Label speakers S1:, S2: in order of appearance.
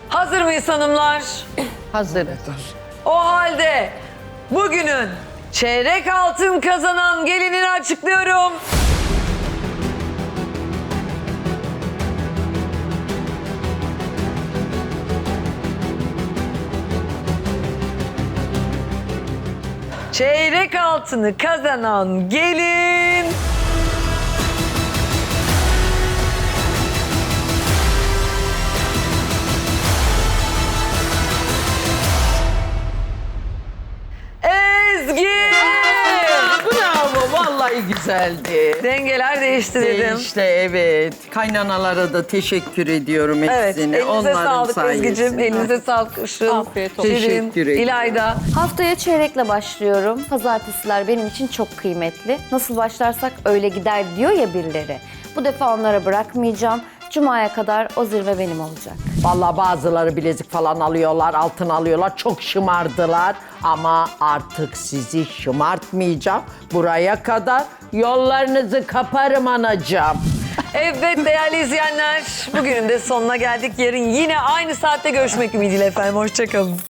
S1: Hazır mıyız hanımlar?
S2: Hazırız.
S1: O halde bugünün çeyrek altın kazanan gelinini açıklıyorum. Çeyrek altını kazanan gelin... Ezgi!
S2: Bravo, vallahi güzeldi.
S1: Dengeler değişti dedim.
S2: İşte evet. Kaynanalara da teşekkür ediyorum
S1: Evet,
S2: hepsine.
S1: elinize
S2: Onların
S1: sağlık
S2: sayesinde.
S1: Ezgi'cim, elinize sağlık Işıl,
S3: Afiyet olsun.
S1: Şirin,
S2: Teşekkür ederim.
S1: İlayda.
S4: Haftaya çeyrekle başlıyorum. Pazartesiler benim için çok kıymetli. Nasıl başlarsak öyle gider diyor ya birileri. Bu defa onlara bırakmayacağım. Cuma'ya kadar o zirve benim olacak.
S5: Vallahi bazıları bilezik falan alıyorlar, altın alıyorlar. Çok şımardılar ama artık sizi şımartmayacağım. Buraya kadar yollarınızı kaparım anacığım.
S1: Evet değerli izleyenler, bugünün de sonuna geldik. Yarın yine aynı saatte görüşmek ümidiyle efendim. Hoşçakalın.